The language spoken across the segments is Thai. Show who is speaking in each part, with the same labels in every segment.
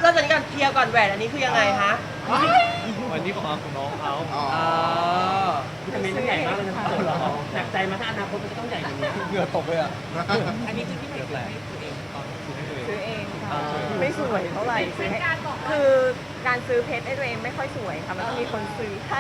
Speaker 1: ริ่มจากนี้ก่อนเคลียร์ก่อนแหวนอันนี้คือยังไงฮะ
Speaker 2: วันนี้ของน้องเขา
Speaker 3: วิตามินมันใหญ่มากเลยนะหนักใจมาถ้าอนาคตมันจะต้องใหญ่อย่างนี้
Speaker 2: เหงื่อตกเลยอ่ะ
Speaker 4: อันนี้คือที่ไหนซื้อให้ตัวเองตอน
Speaker 5: ซื้อเองค่ะไม่สวยเท่าไหร่ซื้อให้คือการซื้อเพชรให้ตัวเองไม่ค่อยสวยค่ะมันต้องมีคนซื้อให้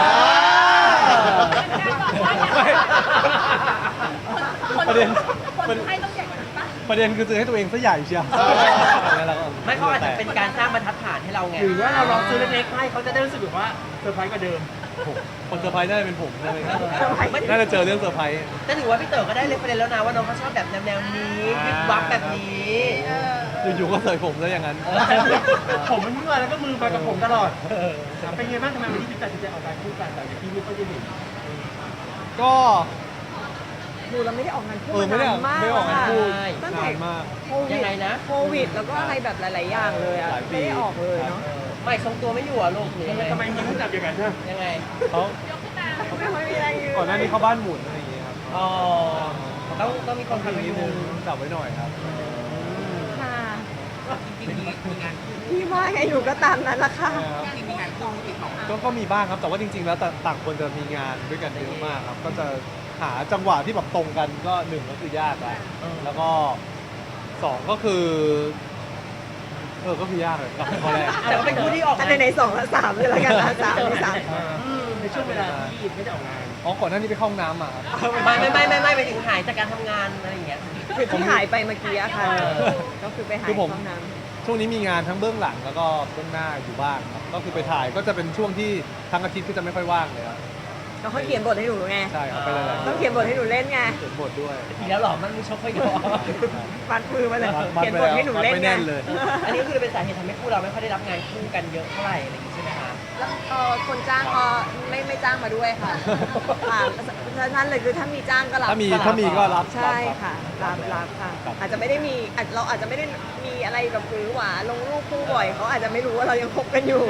Speaker 2: ประเด็น
Speaker 4: คนให้ต้องใหญ่กว่านั้นปะ
Speaker 2: ประเด็นคือซื้อให้ตัวเองซะใหญ่เชียว
Speaker 1: ไม่เขาอาจจะเป็นการสร้างบรรทัดฐานให้เราไง
Speaker 3: หรือว่าเราลองซื้อเล็กๆให้เขาจะได้รู้สึกแบบว่าเซอร์ไพรส์กว่าเดิม
Speaker 2: คนเซอร์ไพรส์น่าจะเป็นผมน่าจะเจอเรื่องเซอร์ไพรส์
Speaker 1: แต่ถือว่าพี่เต๋อก็ได้เรฟเฟรนซ์แล้วนะว่าน้องเขาชอบแบบแนวนี้วิบวับแบบนี้
Speaker 2: อยู่ๆก็เสยผมแล้วอย่างนั้น
Speaker 3: ผมมันเมื่อยแล้วก็มือไปกับผมตลอดเป็นไงบ้างทำไมวันนี้พี่ตัดสินใจออกการคู่กันแต่อย่างที่ไม่ค่อยได้เห็น
Speaker 2: ก็
Speaker 5: ดูเราไม่ได้ออกงานคู่
Speaker 2: ไม่ได้ออกงานคู่
Speaker 5: ตั้งแต่โควิดโควิดแล้วก็อะไรแบบหลายๆอย่างเลยอ่ะไม่ได้ออกเลยเนาะ
Speaker 1: ไม่ทรงตัวไม่อยู่อ่ะลูกหรือยังไง
Speaker 3: ทำไมมีผู้จับอย่างนั้นนะ
Speaker 1: ยังไง
Speaker 2: เขา
Speaker 5: ไม่ค่อยมีแรงยืน
Speaker 2: ก่อนหน้านี้เขาบ้านหมุนอะไรอย่างเงี้ยครับ
Speaker 1: อ๋อต้องมีคนทำนิดนึง
Speaker 2: จับไว้หน่อยครับ
Speaker 5: ค่ะ
Speaker 4: จริงๆมีงานคู่
Speaker 5: พี่ว่าไงอยู่ก็ตามนั้นละค่ะ
Speaker 4: จริงๆมีงานคู่ติดต่อ
Speaker 2: ก็มีบ้างครับแต่ว่าจริงๆแล้วต่างคนจะมีงานด้วยกันเยอะมากครับก็จะหาจังหวะที่แบบตรงกันก็1ก็คือยากแล้วก็2ก็คือก็คือยากเลยกับข้อแรก
Speaker 1: แต่ว่าเป็นคู่ที่ออกงาน
Speaker 5: ใน2และ3เลยละกันนะ3ใน
Speaker 3: ในช่วงเวลาที่ไม่ได้ออกงาน
Speaker 2: ก่อนหน้านี้ไปเข้าห้องน้ำมาครับ
Speaker 1: ไม่ไปถึงหายจากการทำงานอะไรอย่างเงี้ย
Speaker 5: คือที่หายไปเมื่อกี้ค่ะก็คือไปหายห้องน้
Speaker 2: ำช่วงนี้มีงานทั้งเบื้องหลังแล้วก็เบื้องหน้าอยู่บ้างครับก็คือไปถ่ายก็จะเป็นช่วงที่ทั้งอาทิตย์ก็จะไม่ค่อยว่างเลยครับ
Speaker 5: แล้วเขาเขียนบทให้หนูไง
Speaker 2: ใช่เขาไปเลย
Speaker 5: ต้องเขียนบทให้หนูเล่นไง
Speaker 2: เขียนบทด้วย
Speaker 1: อีกแล้วหรอมันไม่ชอบค่อยดู
Speaker 5: มัดมือมาเลยเขียนบทให้หนูเล่นไง
Speaker 1: อันนี้คือเป็นสาเหตุทำให้คู่เราไม่ค่อยได้รับงานคู่กันเยอะเท่าไหร่อะไรอย่างงี้ใช่ไหมคะ
Speaker 5: แล้วคนจ้างก็ไม่จ้างมาด้วยค่ะนั่นเลยคือถ้ามีจ้างก็รับ
Speaker 2: ถ้ามีก็รับ
Speaker 5: ใช่ค่ะรับค่ะอาจจะไม่ได้มีเราอาจจะไม่ได้มีอะไรแบบหรือหวาลงรูปคู่บ่อยเขาอาจจะไม่รู้ว่าเรายังคบกันอยู่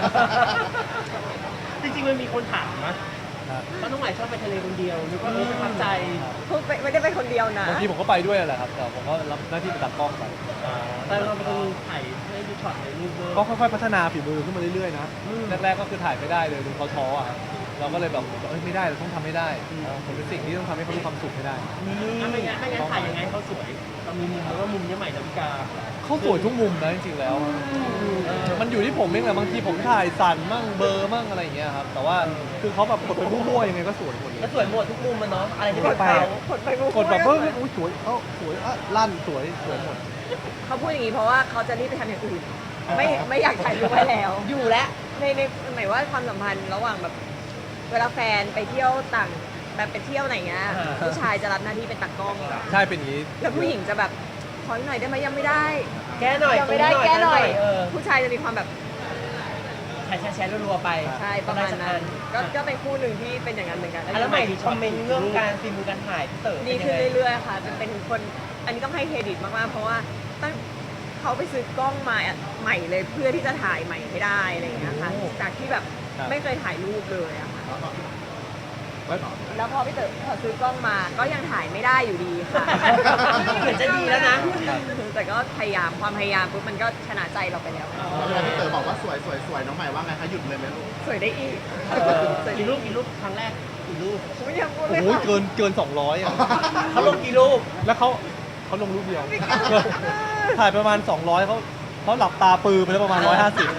Speaker 3: จริงๆมันมีคนถามนะว่าน้องใหม่ชอบไปทะเลคนเดียวหรือว่าประทับใจ
Speaker 5: ไม่ได้ไปคนเดียวนะ
Speaker 2: บางทีผมก็ไปด้วยแหละครับแต่ผมก็รับหน้าที่ไปตัดกล้องไป
Speaker 3: แต่เราเป็นคนถ่ายให้ดูช็อตในรูป
Speaker 2: ก็ค่อยๆพัฒนาฝีมือขึ้นมาเรื่อยๆนะแรกๆก็คือถ่ายไม่ได้เลยดูเขาท้ออ่ะเราก็เลยแบบไม่ได้เราต้องทำให้ได้ผมเป็นสิ่งที่ต้องทำให้เขามีความสุขให้ได้
Speaker 3: ไม่งั้นถ่ายยังไงเขาสวยเรามีมุมหรือว่ามุมนี้ใหม่ดาวิกา
Speaker 2: เขาสวยทุกมุมนะจริงๆแล้วมันอยู่ที่ผมเองแหละบางทีผมถ่ายสั่นมั่งเบอร์มั่งอะไรอย่างเงี้ยครับแต่ว่าคือเขาแบบกดไปมั่วๆยังไงก็สวยหมดเลย
Speaker 1: ก็สวยหมดทุกมุมมันเนาะอะไรที่เป็นเขา
Speaker 2: กดแบบสวยสวยลั่นสวยหมด
Speaker 5: เขาพูดอย่างนี้เพราะว่าเขาจะรีบไปทำอย่างอื่นไม่อยากถ่ายรูปไว้แล้ว
Speaker 1: อยู่แล้ว
Speaker 5: ในหมายว่าความสัมพันธ์ระหว่างแบบเวลาแฟนไปเที่ยวต่างแบบไปเที่ยวไหนเงี้ยผู้ชายจะรับหน้าที่เป็นตากล้อง
Speaker 2: ใช่เป็นอย่างนี้
Speaker 5: แล้วผู้หญิงจะแบบขอหน่อยได้ไหมยังไม่ได้
Speaker 1: แก้หน่อย
Speaker 5: ยังไม่ได้แก้หน่อยผู้ชายจะมีความแบบ
Speaker 1: แชร์รัวๆไป
Speaker 5: ใช่ประมาณนั้นก็เป็นคู่หนึ่งที่เป็นอย่างนั้นเหมือนกัน
Speaker 1: แล้วใหม่คอมเมนต์เรื่องการฝีมือการถ่ายเต๋อ
Speaker 5: ดีขึ้นเรื่อยๆค่ะเป็นคนอันนี้ต้องให้เครดิตมากๆเพราะว่าตั้งเขาไปซื้อกล้องมาใหม่เลยเพื่อที่จะถ่ายใหม่ให้ได้อะไรอย่างเงี้ยค่ะจากที่แบบไม่เคยถ่ายรูปเลยอะค่ะแล้วพอพี่เต๋อซื้อกล้องมาก็ยังถ่ายไม่ได้อยู่ดีค่ะ
Speaker 1: เหมือนจะดีแล้วนะ
Speaker 5: แต่ก็ความพยายามปุ๊บมันก็ชนะใจเราไปแล้ว
Speaker 6: พี่เต๋อบอกว่าสวยน้องใหม่ว่าไงคะหยุดเลยไหมลูก
Speaker 5: สวยได้อีก
Speaker 3: กี่รูปครั้งแรกกี่รูป
Speaker 2: โอ้ยเกิน200อ่ะ
Speaker 1: เขาลงกี่รูป
Speaker 2: แล้วเขาลงรูปเดียวถ่ายประมาณ200เขาหลับตาปือไปแล้วประมาณ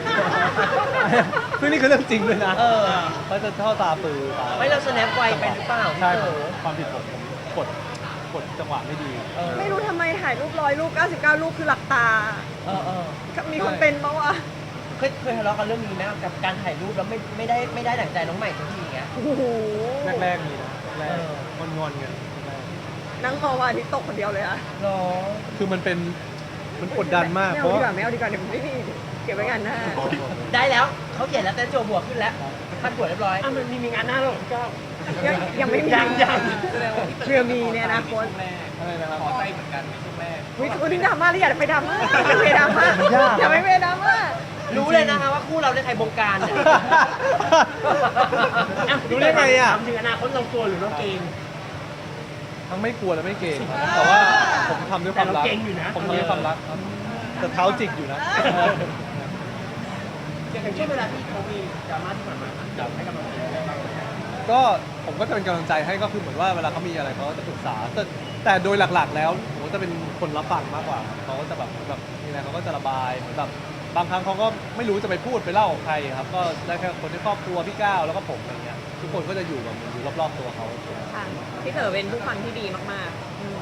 Speaker 2: 150ซึ่งนี่คือเรื่องจริงเลยนะเขาจะเข้าตาปือ
Speaker 1: ไม่เราสแนปไวไปหรือเปล่า
Speaker 2: ใช่ความผิดผมกดจังหวะไม่ดี
Speaker 5: ไม่รู้ทำไมถ่ายรูป100 รูป99 รูปคือหลับตามีคนเป็นปะวะ
Speaker 1: เคยทะเลาะกันเรื่องนี้ไหมกับการถ่ายรูปแล้วไม่ได้ดั่งใจน้องใหม่สักทีอย่างเงี้ย
Speaker 2: แรกมีนะแรกงอนกัน
Speaker 5: นั่งมองว่าที่ตกคนเดียวเลยอะ
Speaker 2: คือมันกดดันมาก
Speaker 5: เพราะไม่เอาดีกว่าเดี๋ยวไม่มีเก็บไว้งานหน้า
Speaker 1: ได้แล้วเขาเขียนแล้วแต่โจบวกขึ้นแล้วพันบวกเรียบร้อย
Speaker 3: มันมีงานหน้าแล้วก็
Speaker 5: ยังไม่มี
Speaker 3: ยัง
Speaker 5: เพื่อมีในอนาคต
Speaker 2: อะไรนะครับ
Speaker 4: ขอใจเหมือนกันไม่ใช่แม่
Speaker 5: วันนี้ดราม่าเลยอย่าไปดราม่าอย่าไปดราม่า
Speaker 1: รู้เลยนะคะว่าคู่เราได้ใครบงการ
Speaker 2: รู้ได้ไงอ่ะ
Speaker 3: ถึงอนาคตเรากลัวหรือเราเกรง
Speaker 2: ทั้งไม่กลัวและไม่เกรงแต่ว่าผมทำด้วยความรักผมทำด้วยความรักครับแต่เท้าจิกอยู่นะ
Speaker 3: อย่างเช่นเวลาที่เขามีดราม่าที่ผ่านมาอยากให้กำลังใจอะไรบ้าง
Speaker 2: ก็ผมก็จะเป็นกำลังใจให้ก็คือเหมือนว่าเวลาเขามีอะไรเขาก็จะปรึกษาแต่โดยหลักๆ แล้วผมก็จะเป็นคนรับฟังมากกว่าเขาก็จะแบบมีอะไรเขาก็จะระบายเหมือนแบบบางครั้งเขาก็ไม่รู้จะไปพูดไปเล่ากับใครครับก็ได้แค่คนในครอบครัวพี่ก้าวแล้วก็ผมอะไรเงี้ยทุกคนก็จะอยู่แบบอยู่รอบๆตัวเขา
Speaker 5: ค่ะพี่เต๋อเป็นผู้ฟังที่ดีมากๆอืม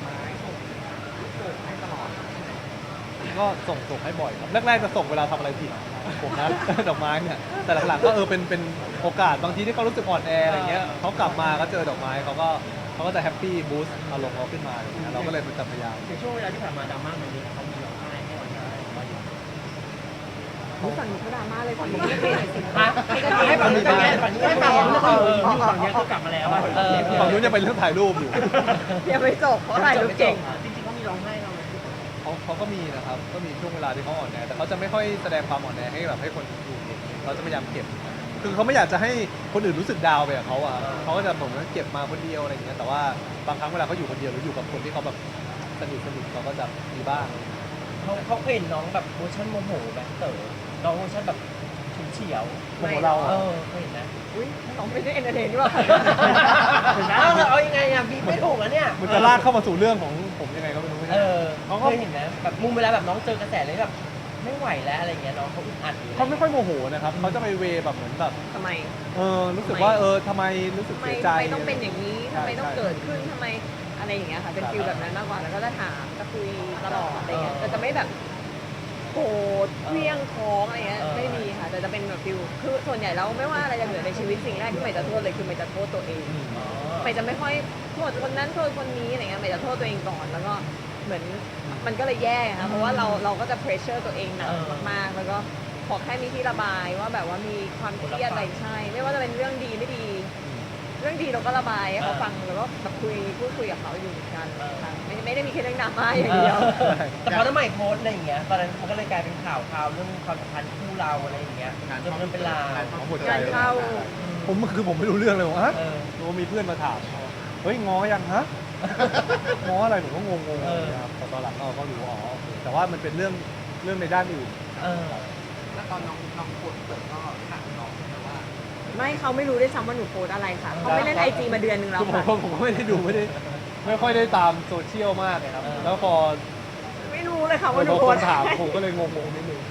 Speaker 2: ก็ส่งให้บ่อยครับแรกๆจะส่งเวลาทำอะไรผิดผมนะ ดอกไม้เนี่ยแต่หลังๆก็เป็นโอกาสบางทีที่เขารู้สึกอ่อนแออะไรเงี้ยเขากลับมาก็เจอดอกไม้เขาก็จะแฮปปี้บูสต์อารมณ์เขาขึ้นมาอะไรเงี้ยเราก็เลยจะพยายาม
Speaker 3: ในช่วงเวลาที่ผ่านมาดราม่ามันเยอะเขามีร้องไห้ให้กำลังใจมาอยู่
Speaker 5: รู้ฝั่งนี้เขาดราม่าเลยฝั่งนี้ไม่เป็นไรสิ
Speaker 1: ฮะให้ฝั่งนี้เป็นไงฝั่งนี้
Speaker 3: ให้
Speaker 1: เป็น
Speaker 3: ฝั่ง
Speaker 1: ไง
Speaker 3: นี้ก็อยู่ฝั่งนี้ก็กลับมาแล้วอะ
Speaker 2: ฝั่งนู้นยังเป็นเรื่องถ่ายรูปอยู่
Speaker 5: ยังไม่จบเพราะถ่ายรูปเก่ง
Speaker 3: จริงๆเขามีร้องไห้เราไหม
Speaker 2: เขาก็มีนะครับก็มีช่วงเวลาที่เขาอ่อนแอแต่เขาจะไม่ค่อยแสดงความอ่อนแอให้แบบให้คนดูเห็นเขาจะพยายามเก็บ คือเขาไม่อยากจะให้คนอื่นรู้สึกดาวไปกับเขาอ่ะเขาก็จะผมว่าเก็บมาคนเดียวอะไรอย่างเงี้ยแต่ว่าบางครั้งเวลาเขาอยู่คนเดียวหรืออยู่กับคนที่เขาแบบสนิทเขาก็จะมีบ้าง
Speaker 1: เขาเคยเห็นน้องแบบเวอร์ชันโมโหแบบเต๋อน้องเวอร์ชันแบบฉุนเฉียว
Speaker 2: โมโหเรา
Speaker 1: เอ
Speaker 2: อะ
Speaker 1: อเคยเห็นนะ
Speaker 5: อุ้ยน้องไม่ได้เอนเตอร์เทนนี่หว่า
Speaker 1: เอายังไงอ่ะบีบไม่ถูกอ่ะเนี่ย
Speaker 2: มันจะลากเข้ามาสู่เรื่องของผมยังไงก็ไม่รู้
Speaker 1: เออ
Speaker 2: เขาก็
Speaker 1: เคยเห็นนะแบบมุมเวลาแบบน้องเจอกระแสเลยแบบไม่ไหวแล้วอะไรเงี้ยน้องเขาอึดอัดอยู่
Speaker 2: เขาไม่ค่อยโมโหนะครับเขาจะไปเวแบบเหมือนแบบ
Speaker 5: ทำไม
Speaker 2: รู้สึกว่าทำไมรู้สึก
Speaker 5: ทำไม
Speaker 2: เสียใจ
Speaker 5: ทำไมต้องเป็นอย่างนี้ทำไมต้อง
Speaker 2: ใช่
Speaker 5: เกิดขึ้นทำไมอะไรอย่างเงี้ยค่ะ เป็นฟิลแบบนั้นมากกว่า แล้วก็จะถามจะคุยตลอดอะไรเงี้ยแต่จะไม่แบบโกรธเคลี้ยงท้องอะไรเงี้ยไม่มีค่ะ แต่จะเป็นแบบฟิลคือส่วนใหญ่แล้วไม่ว่าอะไรจะเกิดในชีวิตสิ่งแรกที่ใหม่จะโทษเลยคือใหม่จะโทษตัวเอง
Speaker 1: อ๋อ
Speaker 5: ใหม่จะไม่ค่อยโทษคนนั้นโทษคนนี้อะไรเงี้ยใหม่จะโทษตัวเองก่อนแล้วก็เหมือนมันก็เลยแย่ค่ะเพราะว่าเราก็จะเพรสเชอร์ตัวเองหนักมากๆแล้วก็ขอแค่มีที่ระบายว่าแบบว่ามีความเครียดอะไรใช่ ไม่ว่าจะเป็นเรื่องดีไม่ดี เรื่องดีเราก็ระบายให้เขาฟังแล้วก็แบบพูดคุยกับเขาอยู่เหมือนกันค่ะไม่ได้มีแค่เรื่องดราม่าอย่างเดียว
Speaker 1: แต่พอน้ำใหม่โพสต์อะไรอย่างเงี้ยตอนนั้นมันก็เลยกลายเป็นข่าวเรื่องความสัมพันธ์คู่เราอะไรอย่างเงี้ยเรื่องเป็นราว
Speaker 2: ของหัวใจ
Speaker 5: งานเข้า
Speaker 2: ผมไม่รู้เรื่องเลยว่า
Speaker 1: เออ
Speaker 2: รู้ว่ามีเพื่อนมาถามเฮ้ยง้อยังฮะ ง้ออะไรผมก็งงๆ
Speaker 1: เออ
Speaker 2: นะครับแต่ตอนหลังเราก็รู้อ๋อโอเคแต่ว่ามันเป็นเรื่องในด้านอื่น
Speaker 1: เออ
Speaker 4: แล้วตอนน้องโพสต์เปิดก็ถามน้องนะว่า
Speaker 5: ไม่เขาไม่รู้ด้วยซ้ำว่าหนูโพสอะไรค่ะเขาไม่เล่นไอจีมาเดือนนึงแล้ว
Speaker 2: คือ
Speaker 5: ค่ะ
Speaker 2: ผมก็ไม่ได้ดูไม่ค่อยได้ตามโซเชียลมากเลยครับ
Speaker 1: เออ
Speaker 2: แล้วพอ
Speaker 5: ไม่รู้เลยค่ะ
Speaker 2: พ
Speaker 5: ว่าหนู
Speaker 2: อ
Speaker 5: โพ
Speaker 2: ค
Speaker 5: ส
Speaker 2: นถามผมก็เลยงงๆนิดนึง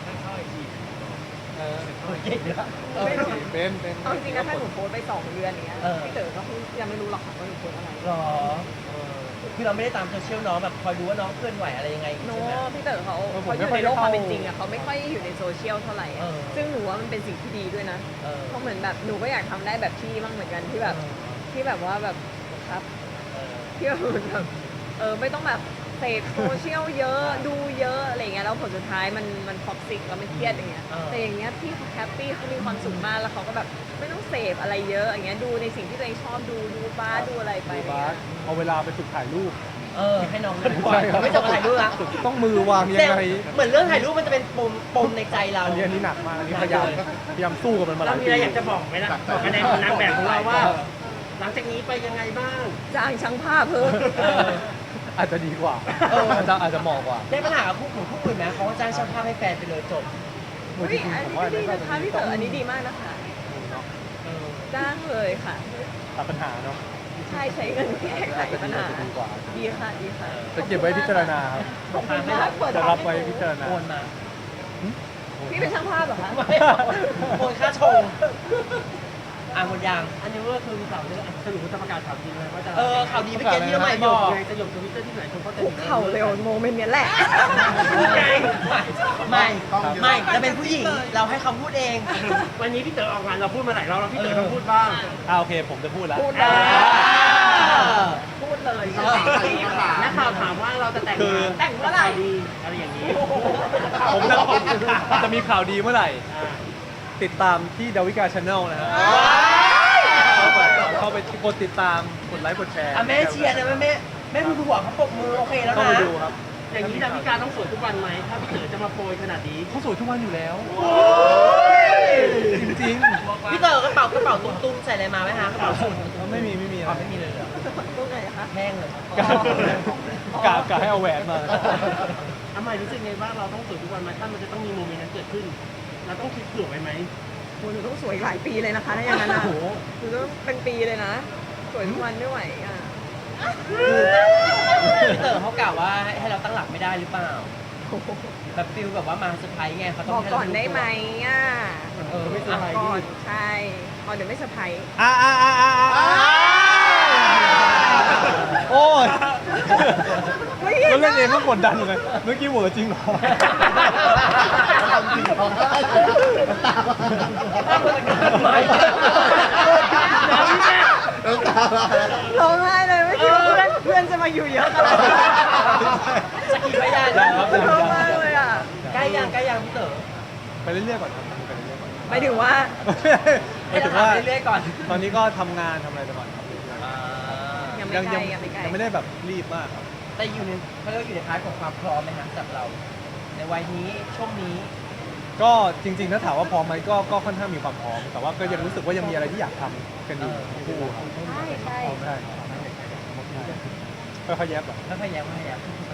Speaker 1: เก่งนะ
Speaker 5: ไม่รู้
Speaker 2: เป็น
Speaker 5: เอาจริงนะถ้าหนูโพสไป2 เดือนอย่างเงี้ย
Speaker 1: เออ
Speaker 5: พี่เต๋อก็ยังไม่รู้หรอกค่ะว่าหนูโพสอะไร
Speaker 1: หรอคือเราไม่ได้ตามโซเชียลน้องแบบคอยดูว่าน้องเคลื่อนไหวอะไรยังไง
Speaker 5: โน้
Speaker 1: ใช่ไหม
Speaker 5: พี่เต๋อเขาอยู่ในโลกความเป็นจริงอะเขาไม่ค่อยอยู่ในโซเชียลเท่าไหร่อะ
Speaker 1: เออ
Speaker 5: ซึ่งหนูว่ามันเป็นสิ่งที่ดีด้วยนะ
Speaker 1: เออ
Speaker 5: เพราะเหมือนแบบหนูก็อยากทำได้แบบพี่บ้างเหมือนกันที่แบบว่าแบบครับ
Speaker 1: เออ
Speaker 5: ที่แบบเหมือนแบบไม่ต้องแบบเสพโซเชียลเยอะดูเยอะอะไรเงี้ยแล้วผลสุดท้ายมันท็อกซิกแล้วมันเครียดอย่างเงี้ยแต่อย่างเงี้ยพี่เขาแฮปปี้เขามีความสุขมากแล้วเขาก็แบบไม่ต้องเสพอะไรเยอะอย่างเงี้ยดูในสิ่งที่ตัวเองชอบดูบ้าสดูอะไรไป
Speaker 2: ดู
Speaker 5: อะไร
Speaker 2: บา
Speaker 5: เงี้
Speaker 2: ส
Speaker 5: ย
Speaker 2: เอาเวลาไปฝึกถ่ายรูป
Speaker 1: ให้น้องเคลื่อนไหวไม่ต้องถ่ายรูปละ
Speaker 2: ฝึกต้องมือวางยัง
Speaker 1: แต่
Speaker 2: ไง
Speaker 1: เหมือนเรื่องถ่ายรูปมันจะเป็นปมในใจเรา
Speaker 2: อันนี้หนักมากอันนี้พยายามสู้กับมันมาห
Speaker 3: เรา
Speaker 2: ลาย
Speaker 3: มี
Speaker 2: ปี
Speaker 3: อะไรอยากจะบอกไหมล่ะบอกกันในนางแบบของเราว่า หลังจากนี้ไปยังไงบ้าง
Speaker 5: จ้างช่างภาพเพิ่ม
Speaker 2: อาจจะดีกว่า
Speaker 1: เออ
Speaker 2: อาจจะเหมาะกว่า
Speaker 1: ได้ปัญหากับคู่อื่นไหมเขาก็จ้างช่างภาพให้แฟนไปเลยจบ
Speaker 5: อุ๊ยอันนี้ก็ดีนะคะพี่เต๋ออันนี้ดีมากนะคะ
Speaker 1: เออ
Speaker 5: จ้างเลยค่ะ
Speaker 2: ตัดปัญหาเนาะ
Speaker 5: ใช่ใช้เงินแก้ไขปัญหา
Speaker 2: จะดีกว่า
Speaker 5: ดีค่ะดีค่ะ
Speaker 2: จะเก็บไว้พิจารณาครับ
Speaker 5: ขอบคุณมากเปิด
Speaker 2: จะรับไว้พิจารณา
Speaker 1: โอนมา
Speaker 5: พี่เป็นช่างภาพเหรอคะ
Speaker 1: ไม่โอนค่าชงหมดยัง
Speaker 3: อันนี้ก็คือข่าวเรื่องสรุปว่าจะประกาศข่าวจริงเลยว่าจะ
Speaker 1: ข่าวดีไปเกณฑ์ที่น้องใหม่บอก
Speaker 3: ไงจะหยกทวิตเตอร์ที่ไหนคนเขาจะ
Speaker 5: คุกเข่าเร็วโมเมนต์เนี้ยแหละ
Speaker 1: ไม่จะเป็นผู้หญิงเราให้เขาพูดเอง
Speaker 3: วันนี้พี่เต๋อออกงานเราพูดมาหลายรอบแล้วพี่เต๋อต้องพูดบ้าง
Speaker 2: โอเคผมจะพูดแล้ว
Speaker 5: พูดเลย
Speaker 3: พูดเลยนักข่าวถามว่าเราจะแต่ง
Speaker 2: คือ
Speaker 3: งานแต่งเมื่อไหร่ดีอะไรอย่างนี้
Speaker 2: ผมจะมีข่าวดีเมื่อไหร่ ติดตามที่ดาวิกาชาแนลนะฮะเข้าไปกดติดตามกดไลค์กดแชร์
Speaker 1: แม่เชียร์นะแม่ดูหัวเขาปรบมือโอเคแล้ว
Speaker 2: เข้า
Speaker 1: นะ
Speaker 2: ไปดูครับ
Speaker 3: อย่างนี้ดาวิกาต้องสวยทุกวันไหมถ้าพี่เต๋อจะมาโปรยขนาดนี้
Speaker 2: เขาสวยทุกวันอยู่แล้ว
Speaker 1: เ
Speaker 2: จริง
Speaker 1: พี่เต๋อกระเป๋าตุ้มๆใส่อะไรมาไหมคะกระเป๋าสูท
Speaker 2: ๆไม่มีอะไร
Speaker 1: ไม่มีเลยเหรอ
Speaker 5: ตรงไหนคะ
Speaker 1: แห้งเลย
Speaker 2: กะให้เอาแหวนมา
Speaker 3: ทำไมรู้สึกไงว่าเราต้องสวยทุกวันไหมถ้ามันจะต้องมีโมเมนต์นั้นเกิดขึ้น เราต้องคิดเผื่อไว้ไหม
Speaker 5: โหหนูต้องสวยอีกหลายปีเลยนะคะถ้าอย่างนั้นอ่ะหนูต้องเป็นปีเลยนะ สวยทุกวันไม่ไหวอ่ะ
Speaker 1: พี่เต๋อเขากล่าวว่าให้เราตั้งหลักไม่ได้หรือเปล่าแบบฟิลแบบว่ามาเซอร์ไพรส์ไงเขาต้
Speaker 5: บ
Speaker 1: อง
Speaker 5: อก
Speaker 1: ให้
Speaker 5: ก่
Speaker 1: เรา
Speaker 5: อนได้ไหมอ่ะ
Speaker 3: ไม่เซอร์ไพรส์
Speaker 5: ก่อนใช่ก่อนเดี๋ยวไม่เซอร์ไพรส์
Speaker 2: โอ้ย
Speaker 5: ไม่เห็
Speaker 2: แล้ว
Speaker 5: น
Speaker 2: เล่นเองก็
Speaker 5: นะ
Speaker 2: กดดันอยู่เลยเมื่อกี้เหวอจริงเหรอ
Speaker 6: ทำจริงของได้ตา น้ำตามา
Speaker 5: ร้องไห้เลยไม่คิดว่าเพื่อนจะมาอยู่เยอะขนาดนี้
Speaker 1: สกีพยานนะครับ
Speaker 5: ร้องมากเลยอ่ะ
Speaker 1: ใกล้ยังพี่เต๋อ
Speaker 2: ไปเรื่อยๆก่อนครับไปเรื่อยๆก่อน
Speaker 5: หมายถึงว่า
Speaker 2: หมายถึงว่า
Speaker 1: เรื่อยๆก่อน
Speaker 2: ตอนนี้ก็ทำงานทำอะไรไปก่อนครับ
Speaker 5: ยังไม่ใกล้ยังไม่ใกล้
Speaker 2: ยังไม่ได้แบบรีบมากครับ
Speaker 1: แต่อยู่ในเขาเรียกว่าอยู่ในพาร์ทของความพร้อมไหมฮะสำหรับเรา ในวัยนี้ช่วงนี้
Speaker 2: ก็จริงๆถ้าถามว่าพร้อมไหมก็ค่อนข้างมีความพร้อม แต่ว่าก็ยังรู้สึกว่ายังมีอะไรที่อยากทำกันอยู่ทั้งคู่ครับ
Speaker 5: ใช่ใช่
Speaker 2: พร้อมได้ค่อยๆแยบแบบ
Speaker 1: ไม่พยายาม